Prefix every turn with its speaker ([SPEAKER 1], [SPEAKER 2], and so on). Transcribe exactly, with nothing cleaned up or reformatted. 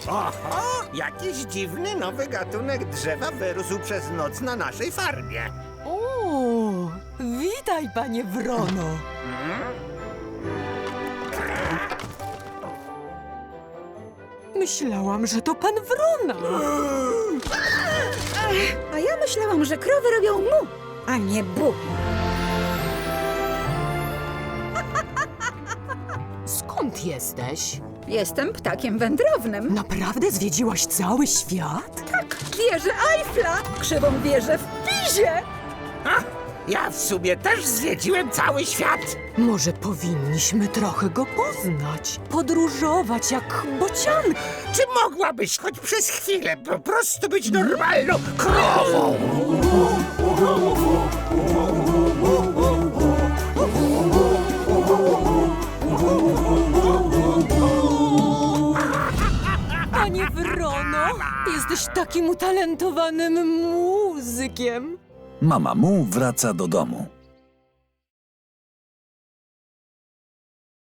[SPEAKER 1] Oho, jakiś dziwny nowy gatunek drzewa wyrósł przez noc na naszej farmie.
[SPEAKER 2] O, witaj, panie Wrono. Myślałam, że to pan Wrona.
[SPEAKER 3] A ja myślałam, że krowy robią mu, a nie bu.
[SPEAKER 2] Skąd jesteś?
[SPEAKER 3] Jestem ptakiem wędrownym.
[SPEAKER 2] Naprawdę zwiedziłaś cały świat?
[SPEAKER 3] Tak, wieżę Eiffla, krzywą wieżę w Pizie.
[SPEAKER 1] Ha, ja w sumie też zwiedziłem cały świat.
[SPEAKER 2] Może powinniśmy trochę go poznać, podróżować jak bocianka.
[SPEAKER 1] Czy mogłabyś choć przez chwilę po prostu być normalną krową?
[SPEAKER 2] Panie Wrono, jesteś takim utalentowanym muzykiem.
[SPEAKER 4] Mama Mu wraca do domu.